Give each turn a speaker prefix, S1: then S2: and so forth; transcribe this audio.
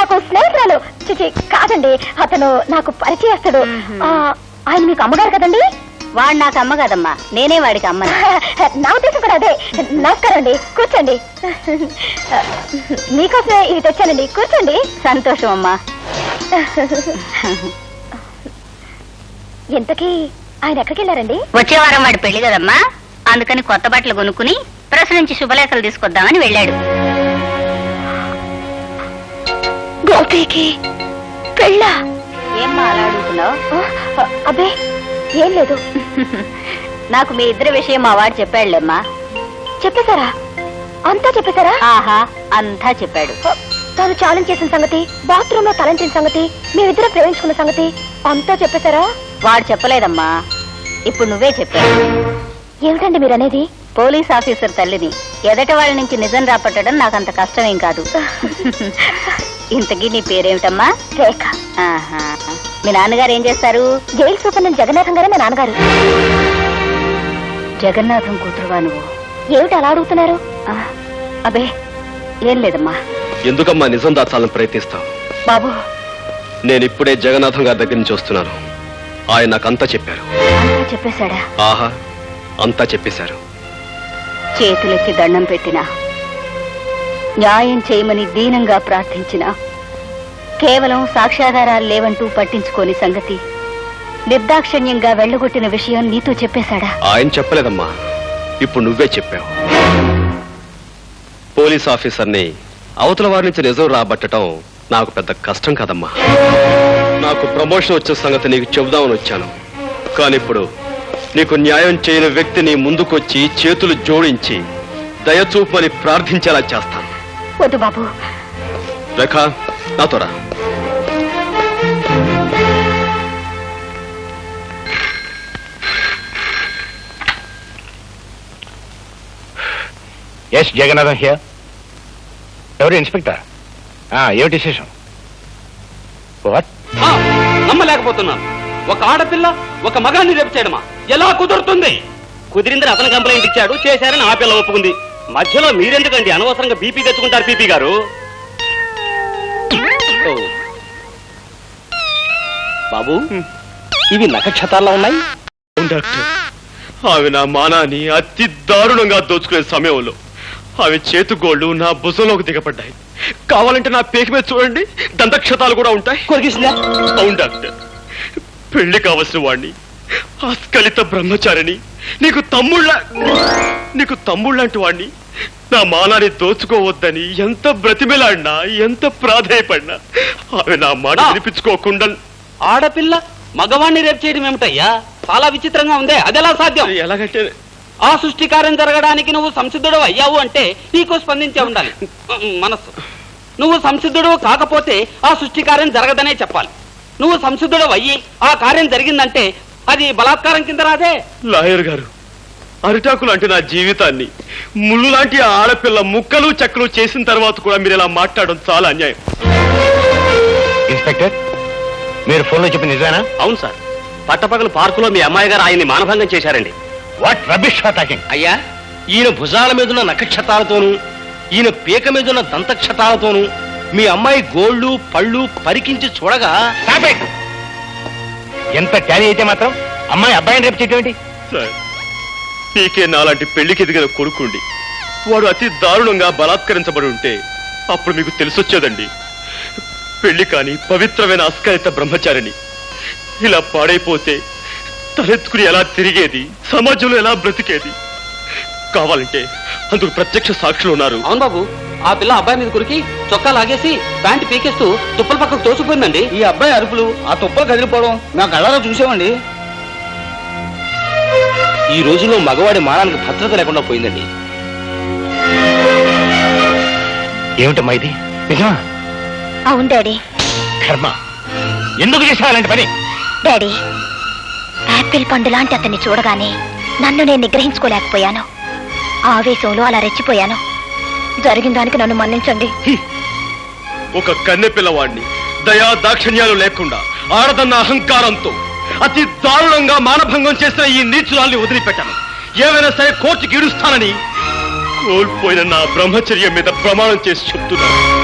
S1: నాకు స్నేహితురాలు. చిచి కాదండి, అతను నాకు పరిచయస్తుడు. ఆయన మీకు అమ్మగారు కదండి?
S2: వాడు నాకు అమ్మ కదమ్మా, నేనే వాడికి అమ్మ.
S1: నా ఉద్దేశం కూడా అదే. నమస్కారం అండి, కూర్చోండి. మీకోసమే ఇది తెచ్చానండి, కూర్చోండి.
S2: సంతోషం అమ్మా.
S1: ఇంతకీ ఆయన ఎక్కడికి వెళ్ళారండి?
S2: వచ్చే వారం వాడి పెళ్లి కదమ్మా, అందుకని కొత్త బట్టలు కొనుక్కుని ప్రెస్ నుంచి శుభలేఖలు తీసుకొద్దామని వెళ్ళాడు.
S1: గోపికి పెళ్ళా?
S2: ఏమ్మా అలా అడుగుతున్నావు?
S1: అబ్బే ఏం లేదు.
S2: నాకు మీ ఇద్దరి విషయం మా వాడు చెప్పాడులేమ్మా.
S1: చెప్పేశారా? అంతా చెప్పేశారా?
S2: ఆహా, అంతా చెప్పాడు.
S1: తాను ఛాలెంజ్ చేసిన సంగతి, బాత్రూమ్ లో తలంచిన సంగతి, మేమిద్దరం ప్రేమించుకున్న సంగతి అంతా చెప్పేశారా?
S2: వాడు చెప్పలేదమ్మా, ఇప్పుడు నువ్వే చెప్పావు.
S1: ఏమిటండి మీరనేది?
S2: పోలీస్ ఆఫీసర్ తల్లిని ఎదట వాళ్ళ నుంచి నిజం రాపట్టడం నాకంత కష్టమేం కాదు. ఇంతకీ నీ పేరేమిటమ్మా?
S1: రేఖ.
S2: ఆహా, మీ నాన్నగారు ఏం చేస్తారు?
S1: జైలు సూపరింటెండెంట్ జగన్నాథం గారే మా నాన్నగారు.
S2: జగన్నాథం కూతురువా నువ్వు?
S1: ఏమిటి అలా అడుగుతున్నారు?
S2: అబే ఏం లేదమ్మా.
S3: ఎందుకమ్మా నిజం దాచాలని ప్రయత్నిస్తావు?
S2: బాబు,
S3: నేను ఇప్పుడే జగన్నాథం గారి దగ్గర నుంచి వస్తున్నాను. ఆయన నాకంతా చెప్పారు.
S2: అంతా చెప్పేశాడా?
S3: ఆహా, అంతా చెప్పేశారు.
S2: చేతులెత్తి దండం పెట్టినా, న్యాయం చేయమని దీనంగా ప్రార్థించిన, కేవలం సాక్ష్యాధారాలు లేవంటూ పట్టించుకోని సంగతి, నిర్దాక్షిణ్యంగా వెళ్లగొట్టిన విషయం నీతో చెప్పేశాడా?
S3: ఆయన చెప్పలేదమ్మా, ఇప్పుడు నువ్వే చెప్పావు. పోలీస్ ఆఫీసర్ని అవతల వారి నుంచి నిజం రాబట్టడం నాకు పెద్ద కష్టం కాదమ్మా. నాకు ప్రమోషన్ వచ్చిన సంగతి నీకు చెబుదామని వచ్చాను. కానీ ఇప్పుడు నీకు న్యాయం చేయని వ్యక్తిని ముందుకొచ్చి చేతులు జోడించి దయచూపని ప్రార్థించేలా చేస్తాను.
S1: వద్దు బాబు.
S3: రేఖ, నాతో రా.
S4: Yes Jagannatham here. ఎవరు ఇన్స్పెక్టర్? ఏమిటి విశేషం? వాట్?
S5: నమ్మలేకపోతున్నాను. ఒక ఆడపిల్ల ఒక మగాన్ని రేపు చేయడమా? ఎలా కుదురుతుంది? కుదిరిందని అతను కంప్లైంట్ ఇచ్చాడు, చేశారని ఆ పిల్ల ఒప్పుకుంది. మధ్యలో మీరెందుకండి అనవసరంగా బీపీ తెచ్చుకుంటారు? పీపీ గారు, బాబు ఇవి నక్షత్రాల్లో ఉన్నాయి.
S3: డాక్టర్, ఆమె నా మానాన్ని అతి దారుణంగా దోచుకునే సమయంలో ఆమె చేతుగోళ్లు నా భుజంలోకి దిగబడ్డాయి. కావాలంటే నా పేక మీద చూడండి, దంతక్షతాలు కూడా ఉంటాయి.
S5: కొరికిసిందా?
S3: అవును డాక్టర్, పెళ్లి కావలసిన వాణ్ణి, ఆస్కలిత బ్రహ్మచారిని, నీకు తమ్ముళ్ళంటి వాణ్ణి నా మానాన్ని దోచుకోవద్దని ఎంత బ్రతిమిలాడినా, ఎంత ప్రాధేయపడినా ఆమె నా మాట వినిపించుకోకుండా.
S5: ఆడపిల్ల మగవాణ్ణి రేపు చేయడం ఏమిటయ్యా? చాలా విచిత్రంగా ఉందే. అదెలా సాధ్యం?
S3: ఎలాగంటే
S5: ఆ సృష్టి కార్యం జరగడానికి నువ్వు సంసిద్ధుడు అయ్యావు అంటే నీకు స్పందించే ఉండాలి మనస్సు. నువ్వు సంసిద్ధుడు కాకపోతే ఆ సృష్టి కార్యం జరగదనే చెప్పాలి. నువ్వు సంసిద్ధుడు అయ్యి ఆ కార్యం జరిగిందంటే అది బలాత్కారం కింద రాదే.
S3: లాయర్ గారు, అరిటాకు లాంటి నా జీవితాన్ని ముళ్ళు లాంటి ఆడపిల్ల ముక్కలు చెక్కలు చేసిన తర్వాత కూడా మీరు ఇలా మాట్లాడడం చాలా అన్యాయం.
S4: ఇన్స్పెక్టర్, మీరు ఫోన్లో చెప్పిన నిజానా?
S5: అవును సార్, పట్టపగలు పార్కులో మీ అమ్మాయి గారు ఆయన్ని మానభంగం చేశారండి.
S4: What rubbish talking?
S5: అయ్యా, ఈయన భుజాల మీదున్న నక్షత్రాలతోనూ ఈయన పీక మీదున్న దంతక్షతాలతోనూ మీ అమ్మాయి గోళ్లు పళ్ళు పరికించి చూడగా
S4: ఎంత ట్యాలీ అయితే మాత్రం అమ్మాయి అబ్బాయిని రేపు చేయటం ఏంటి?
S3: సార్, పీకే నాలాంటి పెళ్లికి ఎదిగిన కొడుకుండి వాడు అతి దారుణంగా బలాత్కరించబడి ఉంటే అప్పుడు మీకు తెలిసొచ్చేదండి. పెళ్లి కాని పవిత్రమైన అస్కలిత బ్రహ్మచారిని ఇలా పాడైపోతే తలెత్తుకుని ఎలా తిరిగేది, సమాజంలో ఎలా బ్రతికేది? కావాలంటే అందుకు ప్రత్యక్ష సాక్షులు ఉన్నారు.
S5: అవును బాబు, ఆ పిల్ల అబ్బాయి మీద కురికి చొక్కా లాగేసి ప్యాంటు పీకేస్తూ తుప్పల పక్కకు తోసిపోయిందండి.
S6: ఈ అబ్బాయి అరుపులు, ఆ తుప్పలు కదిలిపోవడం మేము కళ్ళలో చూసామండి.
S5: ఈ రోజుల్లో మగవాడి మానానికి భద్రత లేకుండా పోయిందండి.
S4: ఏమిటమ్మా ఇది? నిజమా?
S1: అవును డాడీ.
S4: కర్మ, ఎందుకు చేసావు అలాంటి పని?
S1: డాడీ, యాపిల్ పండు లాంటి అతన్ని చూడగానే నన్ను నేను నిగ్రహించుకోలేకపోయాను. ఆవేశంలో అలా రెచ్చిపోయాను. జరిగిన దానికి నన్ను మన్నించండి.
S3: ఒక కన్నె పిల్లవాడిని దయా దాక్షిణ్యాలు లేకుండా ఆడదన్న అహంకారంతో అతి దారుణంగా మానభంగం చేసిన ఈ నీచురాల్ని వదిలిపెట్టాను. ఏమైనా సరే కోర్టుకి ఈడుస్తానని కోల్పోయిన నా బ్రహ్మచర్యం మీద ప్రమాణం చేసి చెప్తున్నాను.